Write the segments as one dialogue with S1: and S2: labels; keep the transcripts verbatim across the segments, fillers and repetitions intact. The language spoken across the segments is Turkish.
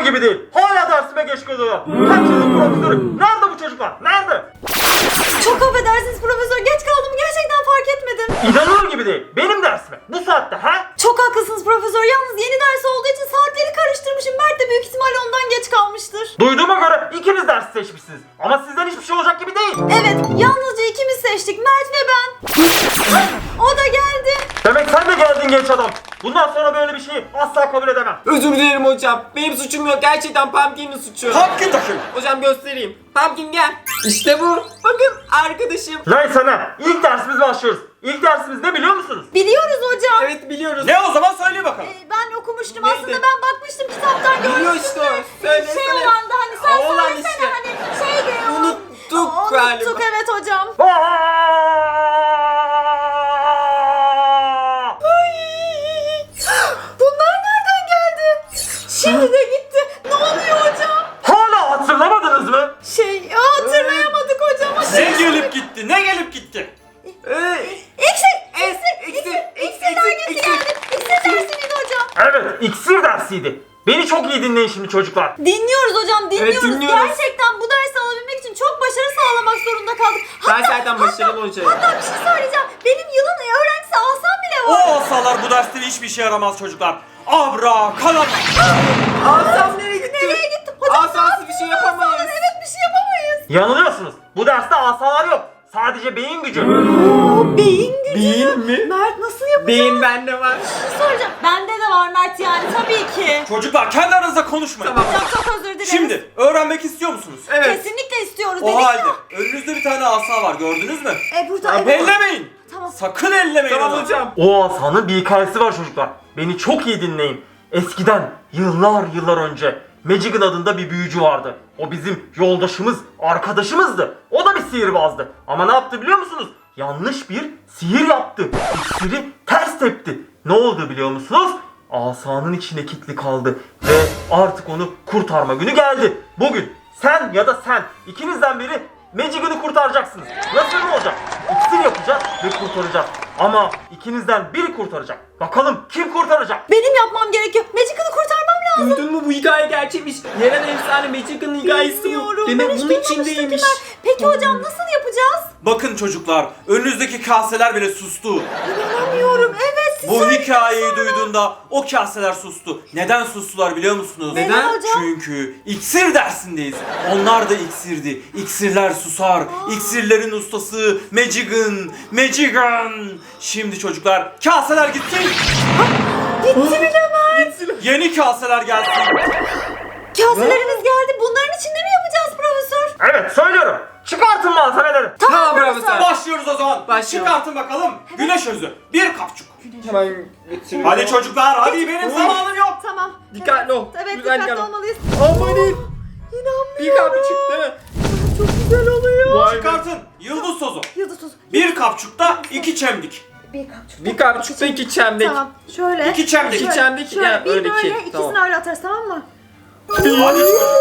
S1: gibi değil. Hala dersime geç kalıyorlar. Kaç yıllık profesörüm. Nerede bu çocuklar? Nerede?
S2: Çok affedersiniz profesör, geç kaldım, gerçekten fark etmedim.
S1: İnanılır gibi değil. Benim dersime. Bu saatte ha?
S2: Çok haklısınız profesör, yalnız yeni ders olduğu için saatleri karıştırmışım. Mert de büyük ihtimalle ondan geç kalmıştır.
S1: Duyduğuma göre ikiniz ders seçmişsiniz. Ama sizden hiçbir şey olacak gibi değil.
S2: Evet, yalnızca ikimiz seçtik, Mert ve ben. O da geldi.
S1: Demek sen de geldin genç adam. Bundan sonra böyle bir şeyi asla kabul edemem.
S3: Özür dilerim hocam. Benim suçum yok. Gerçekten Pumpkin'in suçu.
S1: Pumpkin taşım.
S3: Hocam göstereyim. Pumpkin gel. İşte bu. Bakın arkadaşım.
S1: Lan sana ilk dersimiz başlıyoruz. İlk dersimiz ne biliyor musunuz?
S2: Biliyoruz hocam.
S3: Evet biliyoruz.
S1: Ne o zaman söyle bakalım.
S2: Ee, ben okumuştum
S3: Neydi?
S2: aslında, ben bakmıştım kitaptan,
S3: Biliyor
S2: görmüştüm
S3: işte
S2: de.
S3: o. Söyle,
S2: Şey
S3: söyle.
S2: olandı hani, sen
S3: Aa, olan
S2: söylesene
S3: işte.
S2: hani şeydi o.
S3: Unuttuk
S2: Aa,
S3: galiba.
S2: Unuttuk evet hocam. Bunlar nereden geldi? Şimdi de gitti. Ne oluyor hocam?
S1: Hala hatırlamadınız mı?
S2: Şey hatırlayamadık hocam.
S1: Ne gelip gitti? Ne gelip gitti?
S3: Ee,
S2: İksir,
S3: Es-
S2: iksir,
S3: iksir,
S2: iksir,
S3: iksir,
S2: iksir dergisi
S3: iksir,
S2: geldi. İksir dersiydi hocam.
S1: Evet, iksir dersiydi. Beni çok iyi dinleyin şimdi çocuklar.
S2: Dinliyoruz hocam, dinliyoruz.
S3: dinliyoruz.
S2: Gerçekten bu dersi alabilmek için çok başarı sağlamak zorunda kaldık.
S3: Ben zaten başarılı hocayım.
S2: Hatta bir şey söyleyeceğim. Benim yılın öğrencisi Aslan bile
S4: O
S2: var.
S4: asalar bu derste hiçbir işe yaramaz çocuklar. Abra, kalab.
S3: Asam nereye gitti?
S2: Nereye gitti? Hocam
S3: Asası bir şey yapamayız.
S2: evet bir şey yapamayız.
S1: Yanılıyorsunuz. Bu derste asalar yok. Sadece beyin gücü.
S2: Oo, beyin gücü.
S3: Beyin mi?
S2: Mert nasıl yapacağız?
S3: Beyin bende var.
S2: Bir şey soracağım. Bende de var Mert, yani tabii ki.
S4: Çocuklar kendi aranızda konuşmayın.
S3: Tamam.
S2: Hocam çok özür dileriz.
S4: Şimdi öğrenmek istiyor musunuz?
S3: Evet.
S2: Kesinlikle istiyoruz
S4: O
S2: dedik
S4: halde
S2: ya.
S4: önünüzde bir tane asa var, gördünüz mü?
S2: E burada
S3: Abi,
S2: evet.
S4: Ellemeyin.
S2: Tamam.
S4: Sakın ellemeyin
S3: Tamam
S4: onu.
S3: hocam.
S1: O asanın bir hikayesi var çocuklar. Beni çok iyi dinleyin. Eskiden yıllar yıllar önce Magigan adında bir büyücü vardı. O bizim yoldaşımız, arkadaşımızdı. O da bir sihirbazdı. Ama ne yaptı biliyor musunuz? Yanlış bir sihir yaptı. İksiri ters tepti. Ne oldu biliyor musunuz? Asanın içine kilitli kaldı. Ve artık onu kurtarma günü geldi. Bugün sen ya da sen ikinizden biri Magigan'ı kurtaracaksınız. Nasıl ne olacak? İksir yapacağız ve kurtaracağız. Ama ikinizden biri kurtaracak. Bakalım kim kurtaracak?
S2: Benim yapmam gerekiyor. Magical'ı kurtarmam lazım.
S3: Duydun mu, bu hikaye gerçekmiş. Yerel efsane Magic'in hikayesi bu.
S2: Bilmiyorum.
S3: Demek
S2: Ben hiç
S3: bunun
S2: duymamıştım ki
S3: içindeymiş.
S2: Mert. Peki hocam nasıl yapacağız?
S4: Bakın çocuklar, önünüzdeki kaseler bile sustu.
S2: İnanamıyorum. Evet siz
S4: Bu
S2: söylediniz
S4: hikayeyi
S2: sonra.
S4: duyduğunda o kaseler sustu. Neden sustular biliyor musunuz?
S2: Neden hocam?
S4: Çünkü iksir dersindeyiz. Onlar da iksirdi. İksirler susar. İksirlerin ustası Magigan. Magigan. Şimdi çocuklar kaseler gitsin.
S2: Gitti bile Mert.
S4: Yeni kaseler gelsin.
S2: Kaselerimiz geldi. Bunların içinde mi yapacağız profesör?
S1: Evet söylüyorum. Çıkartın malzemeleri.
S3: Tamam profesör.
S4: Başlıyoruz o zaman.
S3: Başlayalım.
S4: Çıkartın bakalım. Güneş özü. Bir kapçuk.
S3: Hemen getiriyorum.
S4: Hadi çocuklar hadi benim
S3: Oy.
S4: zamanım yok.
S2: Tamam.
S3: Dikkatli ol.
S2: Evet
S3: Güzel
S2: dikkatli
S3: gel.
S2: olmalıyız.
S3: Amanın.
S2: İnanmıyorum.
S3: Bir kapı çıktı.
S2: Çok güzel oluyor.
S3: Vay be.
S4: Çıkartın. Yıldız tozu.
S2: Yıldız tozu.
S4: Bir kapçukta iki çemdik.
S2: Bir kapçuk.
S3: Bir kapı çıktı, iki çemdik.
S2: Tamam. Şöyle.
S4: İki çemdik.
S3: İki çemdik,
S2: Şöyle
S3: ya,
S2: bir
S3: öyle
S2: böyle
S3: iki.
S2: ikisini
S3: Tamam.
S2: öyle atarız, tamam mı?
S4: Hadi çocuklar.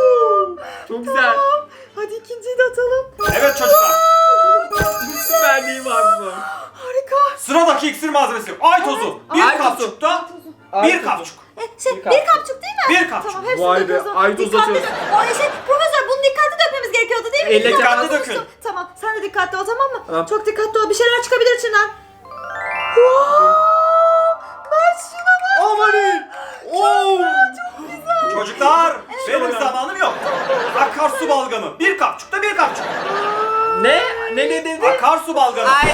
S3: Çok güzel.
S2: Tamam. Hadi ikinciyi de atalım.
S4: Evet çocuklar.
S3: Süperliği var bu.
S2: Harika.
S4: Sıradaki iksir malzemesi. Ay tozu. Bir
S3: Ay tozu.
S4: kapçukta
S3: Ay
S4: bir
S3: tozu.
S4: kapçuk.
S2: E, şey,
S3: Bir
S2: bir
S3: kapçuk.
S2: kapçuk değil mi?
S4: Bir kapçuk.
S2: Tamam, hepsini
S3: Vay be,
S2: döküyoruz.
S3: ay tozu
S2: Dikkatli
S3: atıyoruz.
S2: dök- Ay şey, profesör bunu dikkatli dökmemiz gerekiyordu değil mi?
S3: Elle
S2: Biz
S4: dikkatli
S2: yapamamıştık.
S4: dökün.
S2: Tamam, sen de dikkatli ol, tamam mı?
S3: Tamam.
S2: Çok dikkatli ol, bir şeyler çıkabilir içinden. Wow! Mert şuna bak.
S3: Amanın. Oo.
S4: Çocuklar benim zamanım yok. Akarsu balgamı. Bir kapçukta bir kapçuk.
S3: Ne? Ne ne dedi?
S4: Akarsu balgamı.
S3: Ay.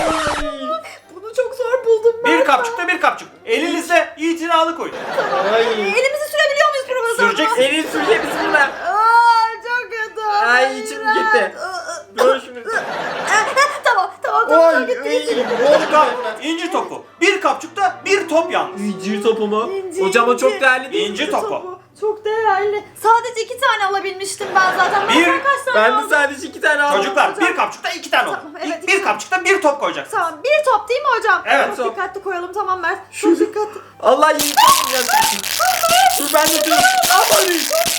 S2: Bunu çok zor buldum ben.
S4: Bir kapçukta bir kapçuk. Elinizle itinalı koyun.
S3: Ay.
S2: Elimizi sürebiliyor muyuz profesör?
S4: Süreceksin.
S3: Elin sürecek bismillah.
S2: Aa, çok kötü.
S3: Ay, içim gitti. Dur şimdi.
S2: Tamam, tamam, tamam.
S3: Oy.
S2: gitti,
S3: Ay.
S2: gitti, gitti.
S4: Çocuklar inci topu. Bir kapçukta bir top yalnız.
S3: İncir topu mu?
S2: İnci,
S3: Hocam o çok
S2: inci.
S3: değerli değil.
S4: İnci topu.
S2: Çok değerli. Sadece iki tane alabilmiştim ben zaten. Ben
S4: Bir-
S2: sen kaç tane
S3: Ben
S2: aldın?
S3: de sadece iki tane aldım.
S4: Çocuklar
S2: hocam.
S4: bir kapçukta iki tane olur.
S2: Tamam, evet,
S4: İlk bir kapçukta bir top koyacaksın.
S2: Tamam, bir top değil mi hocam?
S4: Evet.
S2: Çok
S3: Top.
S2: dikkatli koyalım, tamam Mert. Çok dikkatli.
S3: Allah yiyeceğim. Dur ben de dur. Amanın.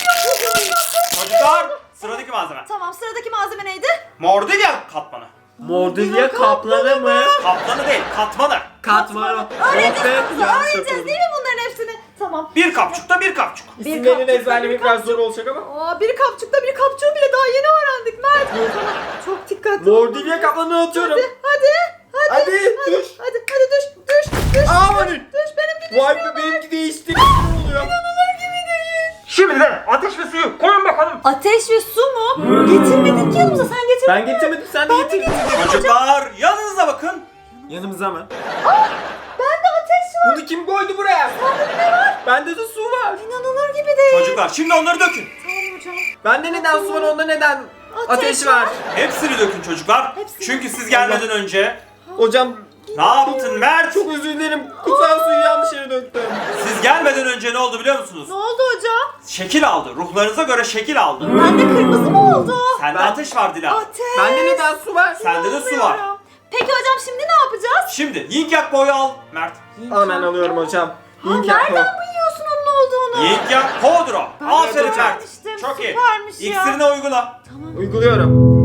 S4: Çocuklar sıradaki malzeme.
S2: Tamam, sıradaki malzeme neydi?
S4: Mordilya katmanı.
S3: Mordilya kaplanı mı?
S4: Kaplanı değil katmanı.
S3: Katmanı.
S2: Öğreneceğiz,
S3: Oh be, yanlış
S2: öğreneceğiz
S3: yapalım.
S2: değil mi bunların hepsini? Tamam.
S4: Bir kapçukta bir kapçuk.
S3: İsimlerini
S2: kapçuk,
S3: ezberlemek
S2: bir
S3: biraz
S2: kapçuk.
S3: zor olacak ama.
S2: Aa, bir kapçukta bir kapçuğu bile daha yeni öğrendik Mert. Tamam, çok dikkatli ol.
S3: Mordilya kaplanını atıyorum.
S2: Hadi, hadi,
S3: Hadi, düş.
S2: hadi, hadi düş, düş, düş.
S3: Amanın.
S2: Düş, benimki
S3: Vay
S2: düşmüyor.
S3: be benimki değişti. Ne oluyor?
S2: İnanılır gibi değil.
S1: Şimdi de ateş ve suyu koyun bakalım.
S2: Ateş ve su mu? Getirmedik ki yanımıza, sen getirdin
S3: Ben
S2: mi?
S3: getirmedim sen de
S2: Ben de
S3: getirdin.
S2: getirdim.
S4: Çocuklar yanınıza bakın.
S3: Yanımıza mı?
S2: Bende ateş var.
S3: Bunu kim koydu buraya?
S2: Sende ne var?
S3: Bende de su var.
S2: İnanılır gibi değil.
S4: Çocuklar şimdi onları dökün.
S2: Tamam hocam.
S3: Bende neden su var onda neden
S2: Ateş
S3: ateş var?
S2: var.
S4: Hepsini dökün çocuklar.
S2: Hepsini.
S4: Çünkü siz gelmeden önce
S3: Hocam
S4: ne yaptın Mert?
S3: çok özür dilerim. Kutsal suyu yanlış yere döktüm.
S4: Siz gelmeden önce ne oldu biliyor musunuz?
S2: Ne oldu hocam?
S4: Şekil aldı. Ruhlarınıza göre şekil aldı.
S2: Bende kırmızı mı oldu?
S4: Sende
S3: Ben-
S4: ateş var Dila.
S2: Ateş.
S3: Bende neden su var?
S4: Sende de su var.
S2: İnanmıyorum. Peki hocam şimdi ne yapacağız?
S4: Şimdi yin yak boyu al Mert.
S3: Hemen alıyorum hocam.
S2: Ha,
S3: Link
S2: nereden
S3: yapma.
S2: biliyorsun onun olduğunu?
S4: Yin yak podro.
S2: Ben
S4: Aferin
S2: de
S4: Mert.
S2: öğrenmiştim,
S4: Çok iyi.
S2: süpermiş ya.
S4: İksirini uygula.
S3: Uyguluyorum.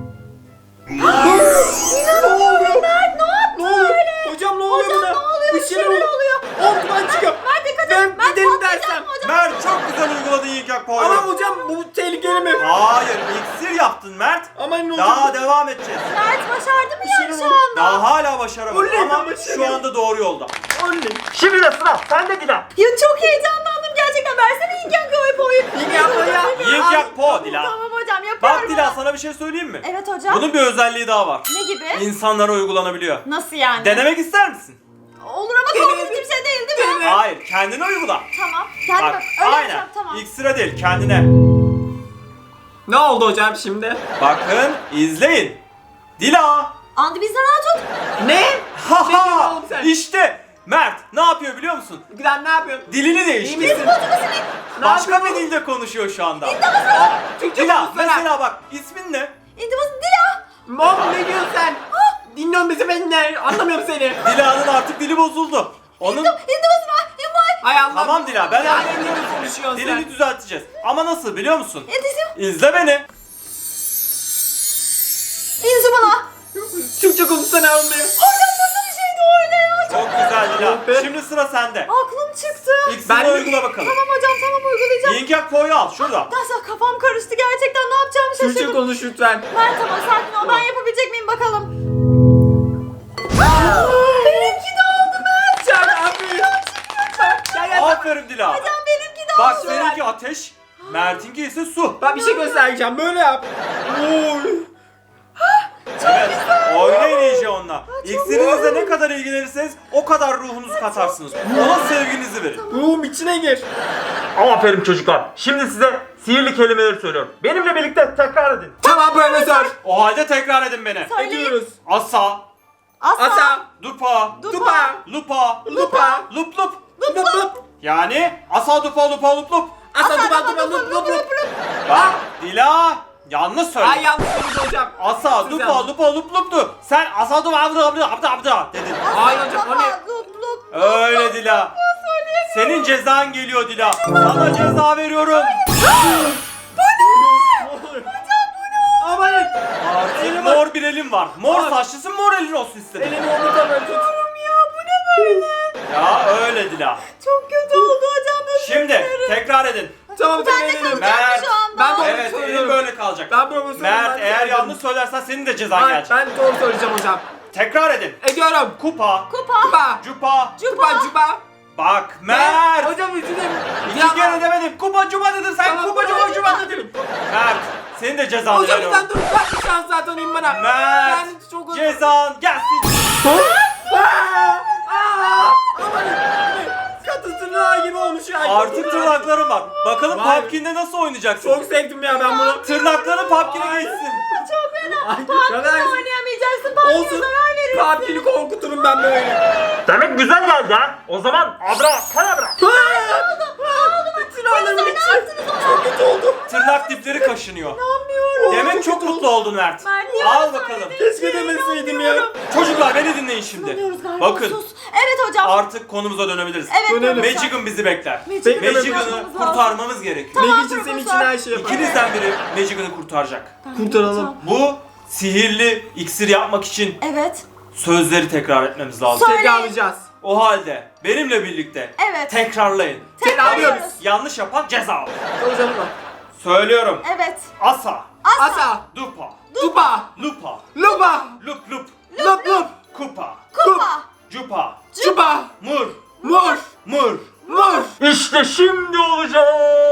S2: İnanamıyorum Mert, ne yaptın
S3: Ne oluyor?
S2: öyle?
S3: Hocam ne oluyor
S2: Hocam
S3: buna?
S2: ne oluyor?
S3: Bir şeyler oluyor.
S2: oluyor.
S3: Ortadan çıkıyor.
S2: Mert dikkat et.
S3: Ben
S2: Mert
S3: gidelim
S2: patlayacak
S3: dersem.
S2: mı hocam?
S4: Mert çok güzel uyguladın yin yak boyu.
S3: Ama hocam bu tehlikeli mi?
S4: Hayır iksir yaptın Mert.
S3: Ama ne
S4: Daha
S3: olacak?
S4: devam edeceğiz.
S2: Mert başardı mı yani
S3: şey
S2: şu
S3: oldu.
S2: anda?
S4: Daha hala başaramadın
S3: Oley,
S4: ama
S3: ben
S4: şu
S3: başarıyorum.
S4: anda doğru yolda.
S3: Oley.
S1: Şimdi de sıra sende Dila.
S2: Ya çok heyecanlandım gerçekten. Versene İlken Koy boyu.
S3: İlk yapma ya.
S4: Yin yak po Dila.
S2: Tamam hocam yapıyorum.
S4: Bak
S2: ben.
S4: Dila sana bir şey söyleyeyim mi?
S2: Evet hocam.
S4: Bunun bir özelliği daha var.
S2: Ne gibi?
S4: İnsanlara uygulanabiliyor.
S2: Nasıl yani?
S4: Denemek ister misin?
S2: Olur ama korkunç bir şey değil değil mi?
S4: Hayır, kendine uygula.
S2: Tamam. Gel
S4: Bak,
S2: bak. Öyle
S4: aynen.
S2: yapacağım tamam.
S4: İksire değil, kendine.
S3: Ne oldu hocam şimdi?
S4: Bakın, izleyin. Dila.
S2: Andi bizden rahat tut.
S3: Ne? Ne diyorsun
S4: Haha.
S3: oğlum sen?
S4: İşte Mert ne yapıyor biliyor musun?
S3: Gülen ne yapıyorsun?
S4: Dilini
S3: İyi
S4: değiştirdi.
S3: misin?
S4: Başka
S3: yapıyorsun
S4: bir
S3: oğlum?
S4: dilde konuşuyor şu anda.
S3: Türkçe
S4: Dila,
S3: konuşsana.
S4: mesela bak, ismin ne?
S2: İntibası Dila.
S3: Mom ne diyorsun sen? Dinliyorum bizi ben ne? Anlamıyorum seni.
S4: Dila'nın artık dili bozuldu. Onun
S2: İntibası var. Yumay.
S3: Hay Allah.
S4: Tamam Dila, ben
S3: Ya
S4: anladım.
S3: ne diyorsun konuşuyorsun
S4: dilini
S3: sen?
S4: düzelteceğiz. Ama nasıl biliyor musun?
S2: Yetişim.
S4: İzle beni.
S2: İnci bana.
S3: Türkçe konuşsana anlıyor.
S2: Hocam nasıl bir şeydi o öyle ya?
S4: Çok güzel Dila.
S3: Oh be.
S4: Şimdi sıra sende.
S2: Aklım çıktı.
S4: İksirini
S3: Ben de-
S4: uygula bakalım.
S2: Tamam hocam tamam uygulayacağım.
S4: Yin yak po'yu al şurada.
S2: Nasıl kafam karıştı gerçekten ne yapacağımı
S3: Türkçe
S2: şaşırdım.
S3: konuş lütfen.
S2: Mert tamam sakin ol ben yapabilecek miyim bakalım. Benimki de oldu Mert.
S3: Çak abi. Gel gel.
S4: Aferin Dila.
S2: Hocam benimki de
S4: Bak
S2: oldu.
S4: seninki ateş, Mert'inki ise su.
S3: Ben bir şey göstereceğim. Böyle yap. Oy.
S4: Evet, oynayın iyice onunla. İksirinizle ne kadar ilgilenirseniz o kadar ruhunuzu katarsınız. Ona sevginizi verin.
S3: Ruhum içine gir.
S1: Aferin çocuklar. Şimdi size sihirli kelimeleri söylüyorum. Benimle birlikte tekrar edin.
S3: Tamam profesör.
S4: O halde tekrar edin beni.
S2: Söyleyin.
S3: Ediyoruz.
S4: Asa,
S2: Asa.
S3: Asa.
S4: dupa,
S3: Dupa.
S4: lupa,
S3: Lupa.
S4: lup lup.
S3: Lup lup.
S4: Yani asa dupa lupa lup lup.
S3: Asa
S2: Asa,
S3: dupa
S2: dupa,
S3: dupa lup lup lup.
S4: Bak Dila yanlış
S3: Ay
S4: söyledin.
S3: yanlış söyledin hocam.
S4: Asa
S3: Siz
S4: dupa
S3: yanlış.
S4: lupa lup luptu. Sen asa dupa abda abda abda abda dedin.
S3: Hayır hocam o ne?
S2: Lup lup.
S4: Öyle Dila. Senin cezan geliyor Dila. Sana ceza veriyorum.
S3: Amanın.
S4: Artık mor bir elin var. Mor saçlısın, mor elin olsun istedim.
S3: Elimi omuzda böyle tut.
S4: Ya öyle Dila.
S2: Çok kötü oldu hocam. özür
S4: Şimdi
S2: dilerim.
S4: tekrar edin.
S3: Tamam
S2: Ben de
S3: deneyelim.
S2: kalacağım
S4: Mert,
S2: şu anda.
S3: ben de-
S4: Evet, elin
S3: söylüyorum.
S4: böyle kalacak.
S3: Ben profesörüm.
S4: Mert
S3: ben
S4: eğer
S3: söyledim.
S4: yanlış söylersen senin de cezan
S3: Ben,
S4: gelecek.
S3: ben doğru söyleyeceğim hocam.
S4: Tekrar edin.
S3: Ediyorum.
S4: Kupa,
S2: Kupa.
S3: Kupa.
S4: cupa.
S3: Cupa cupa.
S4: Bak Mert.
S3: Hocam üzülüm.
S4: İki kere demedim. Kupa cupa dedin sen.
S3: Tamam,
S4: Kupa cupa cupa dedin. Mert, senin de cezanı
S3: Hocam
S4: veriyorum.
S3: sen dur. Ben bir şans daha tanıyayım bana.
S4: Mert,
S3: Ben çok özür
S4: cezan gelsin.
S3: Aa! Aa! Amanın. Katı tırnağı gibi olmuş ya.
S4: Artık tırnaklarım var. Bakalım
S3: Vay be.
S4: Pumpkin'de nasıl oynayacaksın?
S3: Çok sevdim ya ben bunu.
S4: Tırnakların Pumpkin'e geçsin.
S2: Çok fena.
S3: Ay,
S2: Pumpkin'le
S3: kadar-
S2: oynayamayacaksın. Pumpkin'e
S3: Olsun.
S2: zarar verirsin.
S3: Pumpkin'i korkuturum ben böyle.
S1: Demek güzel geldi ha. O zaman abra kadabra.
S3: Tırnağlarım
S2: Sen ne
S3: içi.
S2: yaptınız ona?
S3: Çok kötü oldu.
S4: Tırnak dipleri kaşınıyor.
S2: Anlamıyorum.
S4: Demek çok mutlu oldun Mert.
S2: Mert, niye
S4: Al
S2: öyle
S4: bakalım.
S2: söyledin?
S3: Keşke demeseydim ya.
S4: Çocuklar beni dinleyin şimdi.
S2: Anlamıyoruz galiba.
S4: Bakın
S2: Sus. Evet hocam.
S4: artık konumuza dönebiliriz.
S2: Evet
S3: Dönelim.
S2: profesör.
S4: Magic'in bizi bekler.
S2: Magic'in
S3: Bekle,
S2: bizi
S3: Magic'ini
S4: Magic'ini
S2: kurtarmamız lazım.
S4: kurtarmamız gerekiyor.
S2: Tamam,
S3: Meg için senin için
S2: profesör.
S3: her şeyi yaparım.
S4: İkinizden biri Magic'ini kurtaracak.
S3: Kurtaralım.
S4: Bu sihirli iksir yapmak için
S2: Evet.
S4: sözleri tekrar etmemiz lazım.
S2: Söyle.
S3: Tekrarlayacağız.
S4: O halde benimle birlikte
S2: Evet.
S4: tekrarlayın.
S2: Tekrarlıyoruz.
S4: Yanlış yapan ceza alır.
S3: Hocam bak.
S4: Söylüyorum.
S2: Evet.
S4: Asa,
S2: Asa.
S3: Asa.
S4: dupa,
S3: Dupa.
S4: lupa,
S3: Lupa.
S4: lup lup,
S3: Lup lup.
S4: kupa,
S2: Kupa.
S4: cupa,
S3: Çupa.
S4: mur,
S3: Mur.
S4: mur.
S3: Mur.
S1: İşte şimdi olacak.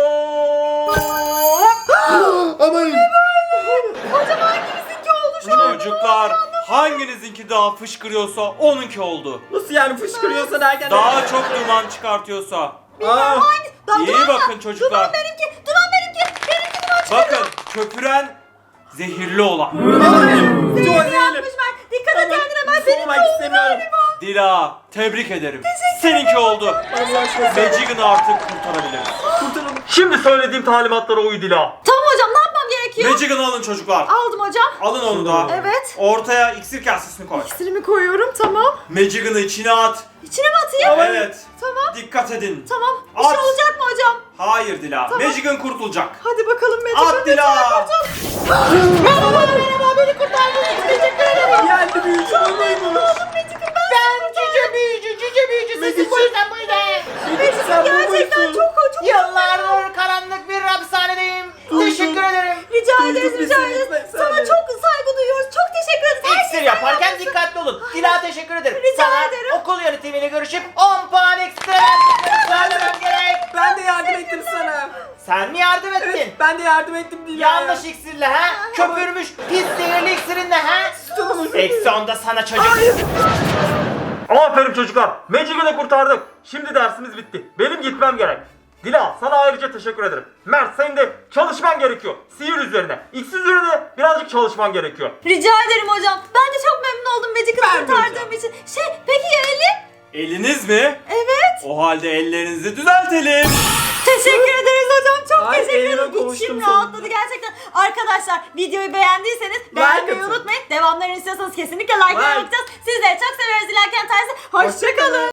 S3: Aman.
S2: Hocam hangimizinki oldu şu an?
S4: Çocuklar hanginizinki daha fışkırıyorsa onunki oldu.
S3: Nasıl yani fışkırıyorsa derken?
S4: Daha çok duman çıkartıyorsa.
S3: Aa.
S2: Hangi? Lan
S4: İyi
S2: duman
S4: bakın
S2: mı?
S4: çocuklar.
S2: Duman benimki. Duman benimki. Benimki duman çıkıyor.
S4: Bakın köpüren zehirli olan.
S3: Çok
S2: Zehirli
S3: değilim.
S2: yapmış Mert. Dikkat et kendine Mert. Benimki
S3: Olmak
S2: oldu
S3: istemiyorum.
S2: galiba.
S4: Dila tebrik ederim. Seninki oldu.
S3: Allah aşkına.
S4: Magic'ini artık kurtarabiliriz.
S3: Kurtulun.
S1: Şimdi söylediğim talimatlara uy Dila.
S2: Tamam hocam ne yapmam gerekiyor?
S4: Magic'ini alın çocuklar.
S2: Aldım hocam.
S4: Alın onu da.
S2: Evet.
S4: Ortaya iksir kasesini koy.
S2: İksirimi koyuyorum tamam.
S4: Magic'ini içine at.
S2: İçine mi atayım?
S4: Evet.
S2: Tamam.
S4: Dikkat edin.
S2: Tamam. Bir
S4: At.
S2: şey olacak mı hocam?
S4: Hayır Dila. Magic'in kurtulacak.
S2: Hadi bakalım Magic.
S4: At Dila.
S2: Merhaba merhaba beni kurtardınız. Teşekkür ederim.
S3: Geldi büyücü olmaymış.
S5: Ben cüce büyücü, cüce büyücü sesim bu yüzden buydu.
S2: Magic
S3: Sen
S2: gerçekten
S3: bulmuşsun.
S2: çok çok
S5: Yıllardır karanlık bir hapishanedeyim. Teşekkür ederim.
S2: rica
S3: Duyduk
S2: ederiz
S3: biz
S2: rica
S3: seni,
S2: ederiz.
S3: sen
S2: Sana
S3: de.
S2: çok saygı duyuyoruz. Çok teşekkür ederiz. Her
S5: İksir
S2: şey
S5: yaparken
S2: senden
S5: dikkatli olun. Dila teşekkür ederim.
S2: Rica
S5: Sana
S2: ederim.
S5: okul yönetimiyle görüşüp on puan ekstra verdiklerini söylemem gerek.
S3: Ben de yardım ettim sana.
S5: Sen mi yardım ettin?
S3: Evet ben de yardım ettim Dila'ya.
S5: Yanlış iksirle ha? Köpürmüş pis zehirli iksirinle ha?
S3: Tamam.
S5: Eksi onda sana çocuk.
S1: Aferin çocuklar. Magic'i de kurtardık. Şimdi dersimiz bitti. Benim gitmem gerek. Dila sana ayrıca teşekkür ederim. Mert senin de çalışman gerekiyor. Sihir üzerine. İksir üzerine birazcık çalışman gerekiyor.
S2: Rica ederim hocam. Ben de çok memnun oldum Magic'i
S3: Ben de
S2: kurtardığım için. Şey peki ya elim?
S4: Eliniz mi?
S2: Evet.
S4: O halde ellerinizi düzeltelim.
S2: Teşekkür ederiz hocam. Çok
S3: Ay,
S2: teşekkür
S3: elime
S2: ederim.
S3: kavuştum
S2: İçim
S3: sonunda.
S2: rahatladı gerçekten. Arkadaşlar videoyu beğendiyseniz beğenmeyi
S3: atın.
S2: unutmayın. Devamlarını istiyorsanız kesinlikle like'ları
S3: Like.
S2: bakacağız. Sizleri çok seviyoruz. Dilerken tersi. Hoşçakalın.